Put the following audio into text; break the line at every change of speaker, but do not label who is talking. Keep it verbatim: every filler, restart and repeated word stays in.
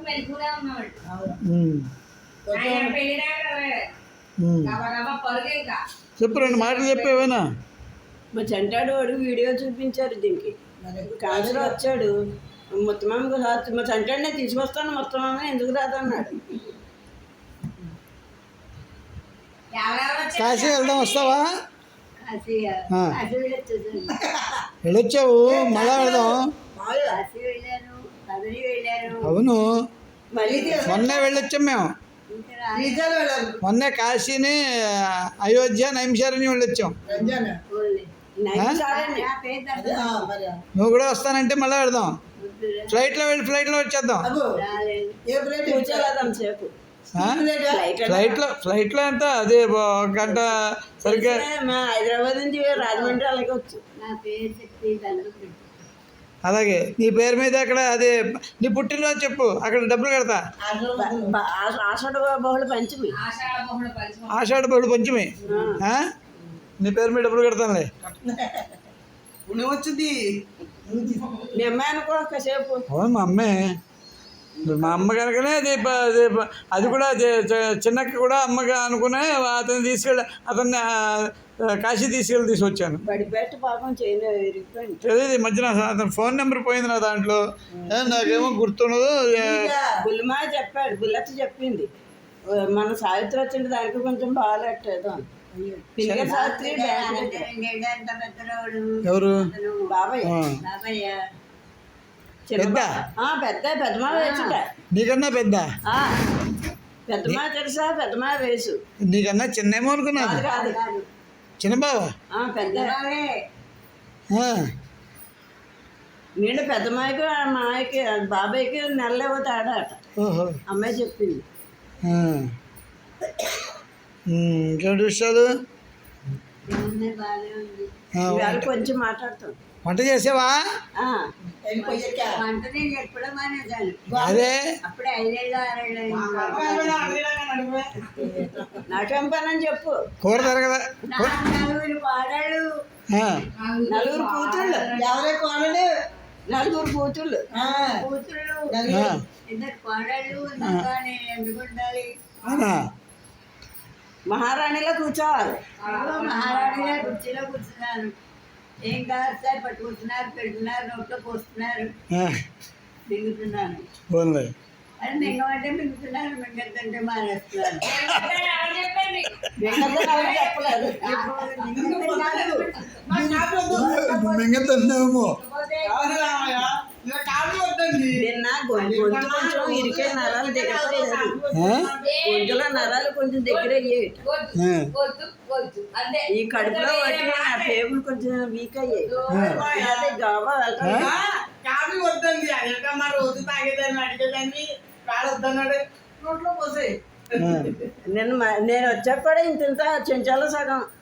చెప్పు రెండు మాటలు చెప్పేవేనా.
మా చంటాడు వాడు వీడియో చూపించారు దీనికి. కాసులో వచ్చాడు మొత్తం మా చంటాడినే తీసుకొస్తాను మొత్తం ఎందుకు రాదన్నాడు.
కాశీ వెళ్దాం వస్తావా? వెళ్ళొచ్చావు మళ్ళా వెళ్దాం. అవును మొన్నే వెళ్ళొచ్చాం మేము. మొన్నే కాశీని అయోధ్య నైమిషారణి వెళ్ళొచ్చాం. నువ్వు కూడా వస్తానంటే మళ్ళీ వెళ్దాం. ఫ్లైట్లో వెళ్ళి ఫ్లైట్లో వచ్చేద్దాం. ఫ్లైట్లో ఫ్లైట్లో ఎంత అదే ఒక గంట సరిగ్గా.
హైదరాబాద్ నుంచి రాజమండ్రి అలాగే వచ్చు.
అలాగే నీ పేరు మీద అక్కడ అదే నీ పుట్టినరోజు చెప్పు, అక్కడ డబ్బులు కడతా.
ఆషాఢ బహుళ పంచమి.
ఆషాఢ బహుళ పంచమి నీ పేరు మీద డబ్బులు కడతానులే.
వచ్చింది మీ అమ్మాయి అనుకో కాసేపు.
అవును మా అమ్మే. మా అమ్మ కనుకనే అది అది అది కూడా చిన్నక్క కూడా అమ్మగా అనుకునే అతన్ని తీసుకెళ్ళి అతన్ని కాశీ తీసుకెళ్ళి తీసుకొచ్చాను. తెలియదు ఈ మధ్యన అతను ఫోన్ నెంబర్ పోయింది నా దాంట్లో. నాకేమో గుర్తుండదు.
బుల్లిమా చెప్పాడు, బుల్లెట్ చెప్పింది మన సావిత్రి వచ్చింది దానికి కొంచెం బాగాలేట్టేదో.
ఎవరు?
బాబాయ్.
పెద్ద
పెద్ద పెద్దమా వేసుట.
నీకన్నా పెద్ద
పెద్దమా తెలుసా? పెద్దమా వేసు.
నీకన్నా చిన్నేమో అనుకున్నాను.
కాదు
చిన్న బావ.
పెద్ద నేను పెద్దమ్మాయికి మాయకి బాబాయ్కి నెలలేవో తేడా అట. అమ్మాయి చెప్పింది.
ఇంకేంటి విషయాలు?
కొంచెం మాట్లాడతాం.
వంట చేసావా?
వంట నేను ఎప్పుడో మానేసాను.
అదే
అప్పుడే ఐదేళ్ళు ఆరేళ్ళు నాకేం పని అని చెప్పు.
కూర తరగదా?
నలుగురు కోడళ్ళు, నలుగురు కూతుళ్ళు. ఎవరే కోడలు? నలుగురు కూతుళ్ళు. కూతుళ్ళు ఇద్దరు కోడళ్ళు. ఎందుకు ఉండాలి? మహారాణిలో కూర్చోవాలి. మహారాణిలో కుర్చీలో కూర్చున్నాను. ఏం కాదు సార్, పట్టుకుంటున్నారు, పెడుతున్నారు, నోట్లో పోస్తున్నారు, మింగుతున్నాను. అది మింగమంటే మింగుతున్నారు, మింగద్దంటే మానేస్తున్నారు.
మింగతున్నామో
నిన్న గొంతు కొంచెం ఇరికే నరాలు దిగలేదు. గొంతులో నరాలు కొంచెం దగ్గర అయ్యాయి. ఈ కడుపులో వాటి నా టేబుల్ కొంచెం వీక్ అయ్యాయి. అదే జాబా కాఫీ వద్దండి. అదేటమ్మా రోజు తాగేదాన్ని అడిగేదాన్ని వద్దన్నాడు నోట్లో పోసాయి. నేను నేను వచ్చాక కూడా ఇంత ఇంత చెంచాలో సగం